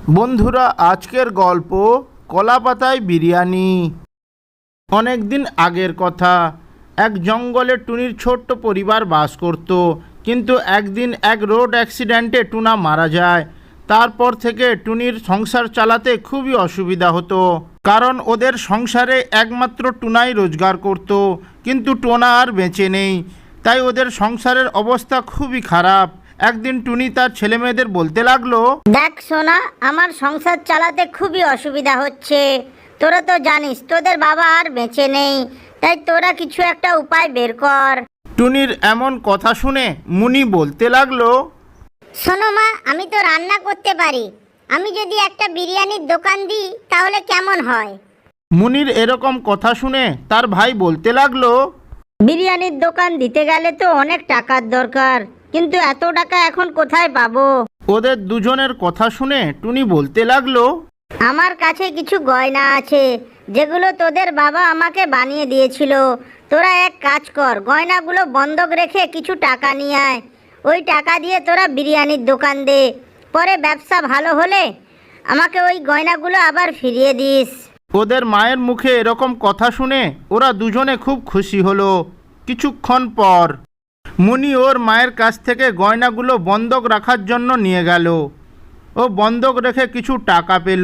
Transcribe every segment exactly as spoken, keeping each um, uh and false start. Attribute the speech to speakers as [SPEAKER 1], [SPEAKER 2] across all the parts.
[SPEAKER 1] বন্ধুরা, আজকের গল্প কলাপাতায় বিরিয়ানি। অনেক দিন আগের কথা। এক জঙ্গলে টুনির ছোট্ট পরিবার বাস করত। কিন্তু একদিন এক রোড অ্যাক্সিডেন্টে টুনা মারা যায়। তারপর থেকে টুনির সংসার চালাতে খুবই অসুবিধা হতো, কারণ ওদের সংসারে একমাত্র টুনাই রোজগার করত। কিন্তু টোনা আর বেঁচে নেই, তাই ওদের সংসারের অবস্থা খুবই খারাপ। একদিন টুনি তার ছেলেমেয়েদের বলতে লাগলো,
[SPEAKER 2] দেখ সোনা, আমার সংসার চালাতে খুবই অসুবিধা হচ্ছে। তোরা তো জানিস তোদের বাবা আর বেঁচে নেই, তাই তোরা কিছু একটা উপায় বের কর।
[SPEAKER 1] টুনির এমন কথা শুনে মুনি বলতে লাগলো,
[SPEAKER 2] শোনো মা, আমি তো রান্না করতে পারি। আমি যদি একটা বিরিয়ানির দোকান দিই তাহলে কেমন হয়?
[SPEAKER 1] মুনির এরকম কথা শুনে তার ভাই বলতে লাগলো,
[SPEAKER 2] বিরিয়ানির দোকান দিতে গেলে তো অনেক টাকার দরকার, কিন্তু এত টাকা এখন কোথায় পাবো?
[SPEAKER 1] ওদের দুজনের কথা শুনে টুনি বলতে লাগলো,
[SPEAKER 2] আমার কাছে কিছু গয়না আছে, যেগুলো তোদের বাবা আমাকে বানিয়ে দিয়েছিল। তোরা এক কাজ কর, গয়নাগুলো বন্ধক রেখে কিছু টাকা নিয়ে আয়। ওই টাকা দিয়ে তোরা বিরিয়ানির দোকান দে। পরে ব্যবসা ভালো হলে আমাকে ওই গয়নাগুলো আবার ফিরিয়ে দিস।
[SPEAKER 1] ওদের মায়ের মুখে এরকম কথা শুনে ওরা দুজনে খুব খুশি হলো। কিছুক্ষণ পর মুনি ওর মায়ের কাছ থেকে গয়নাগুলো বন্ধক রাখার জন্য নিয়ে গেল। ও বন্ধক রেখে কিছু টাকা পেল।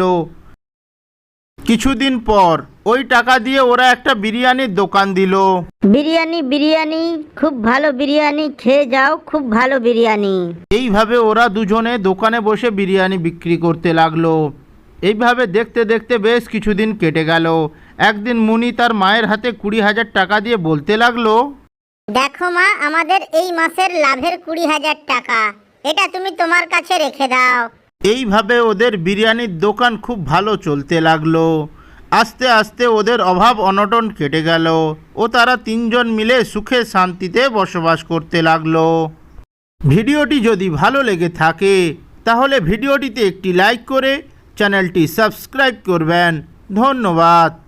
[SPEAKER 1] কিছুদিন পর ওই টাকা দিয়ে ওরা একটা বিরিয়ানির দোকান দিল।
[SPEAKER 2] বিরিয়ানি বিরিয়ানি খুব ভালো বিরিয়ানি, খেয়ে যাও, খুব ভালো বিরিয়ানি।
[SPEAKER 1] এইভাবে ওরা দুজনে দোকানে বসে বিরিয়ানি বিক্রি করতে লাগলো। এইভাবে দেখতে দেখতে বেশ কিছুদিন কেটে গেল। একদিন মুনি তার মায়ের হাতে কুড়ি হাজার টাকা দিয়ে বলতে লাগলো,
[SPEAKER 2] দেখো মা, আমাদের এই মাসের লাভের কুড়ি হাজার টাকা, এটা তুমি তোমার কাছে রেখে দাও।
[SPEAKER 1] এইভাবে ওদের বিরিয়ানির দোকান খুব ভালো চলতে লাগলো। আস্তে আস্তে ওদের অভাব অনটন কেটে গেল ও তারা তিনজন মিলে সুখে শান্তিতে বসবাস করতে লাগলো। ভিডিওটি যদি ভালো লেগে থাকে তাহলে ভিডিওটিতে একটি লাইক করে চ্যানেলটি সাবস্ক্রাইব করবেন। ধন্যবাদ।